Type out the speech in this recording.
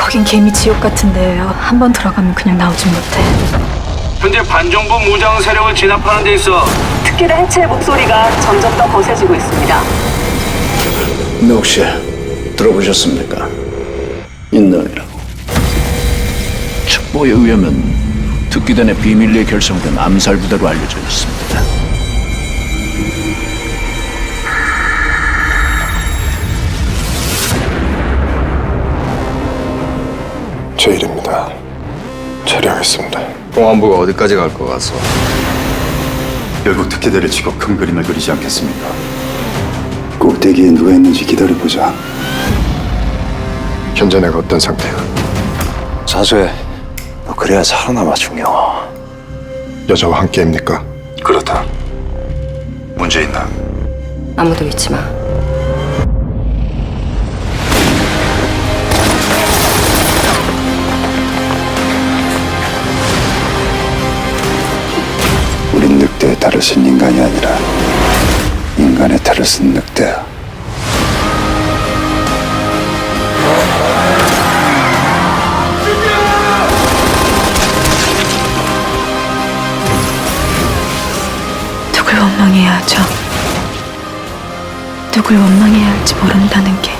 거긴 개미 지옥 같은 데예요. 한 번 들어가면 그냥 나오진 못해. 현재 반정부 무장 세력을 진압하는 데 있어 특혜의 해체 목소리가 점점 더 거세지고 있습니다. 근데 혹시 들어보셨습니까? 인넌이라고. 첩보에 의하면 특기단의 비밀리에 결성된 암살 부대로 알려져 있습니다. 제 일입니다. 처리하겠습니다. 공안부가 어디까지 갈 것 같소? 결국 특혜대를 치고 큰 그림을 그리지 않겠습니까? 꼭대기에 누가 있는지 기다려보자. 현재 내가 어떤 상태야? 사수해. 너 그래야 살아남아 중요. 여자와 함께입니까? 그렇다. 문제 있나? 아무도 믿지 마. 우린 늑대의 탈을 쓴 인간이 아니라 인간의 탈을 쓴 늑대야. 누굴 원망해야 하죠? 누굴 원망해야 할지 모른다는 게